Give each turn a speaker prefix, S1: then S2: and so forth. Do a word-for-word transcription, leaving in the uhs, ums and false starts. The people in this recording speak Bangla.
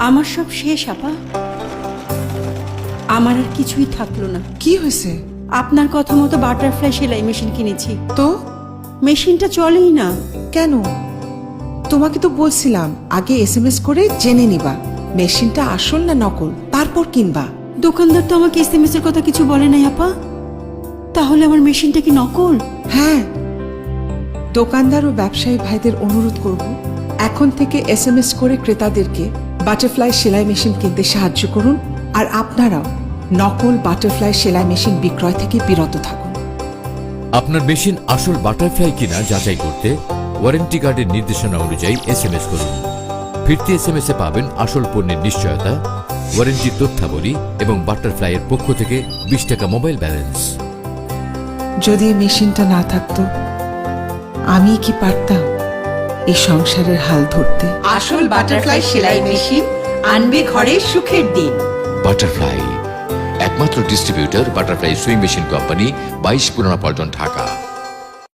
S1: আমার সব শেষ আপা, আমার আর কিছুই থাকলো না।
S2: কি হয়েছে?
S1: আপনার কথা মতো বাটারফ্লাই সেলাই মেশিন কিনেছি,
S2: তো
S1: মেশিনটা চলেই না।
S2: কেন? তোমাকে তো বলছিলাম আগে এস এম এস করে জেনে নিবা মেশিনটা আসল না নকল, তারপর কিনবা।
S1: দোকানদার তো আমাকে এস এম এস এর কথা কিছু বলে নাই আপা, তাহলে আমার মেশিনটা কি নকল?
S2: হ্যাঁ, দোকানদার ও ব্যবসায়ী ভাইদের অনুরোধ করব এখন থেকে এস এম এস করে ক্রেতাদেরকে বাটারফ্লাই সেলাই মেশিন কিনতে সাহায্য করুন। আর আপনারাও নকল বাটারফ্লাই সেলাই মেশিন বিক্রয় থেকে বিরত থাকুন।
S3: আপনার মেশিন আসল বাটারফ্লাই কিনা যাচাই করতে ওয়ারেন্টি কার্ডের নির্দেশনা অনুযায়ী এস এম এস করুন। ফিরতি এস এম এস এ পাবেন আসল পণ্যের নিশ্চয়তা, ওয়ারেন্টির তথ্যাবলী এবং বাটারফ্লাইয়ের পক্ষ থেকে বিশ টাকা মোবাইল ব্যালেন্স।
S2: যদি এই মেশিনটা না থাকতো আমি কি পারতাম এই সংসারের হাল ধরতে?
S1: আসল বাটারফ্লাই সেলাই মেশিন আনবে ঘরে সুখের দিন।
S4: বাটারফ্লাই একমাত্র distributor butterfly sewing machine company, বাইশ পুরানা পল্টন, ঢাকা।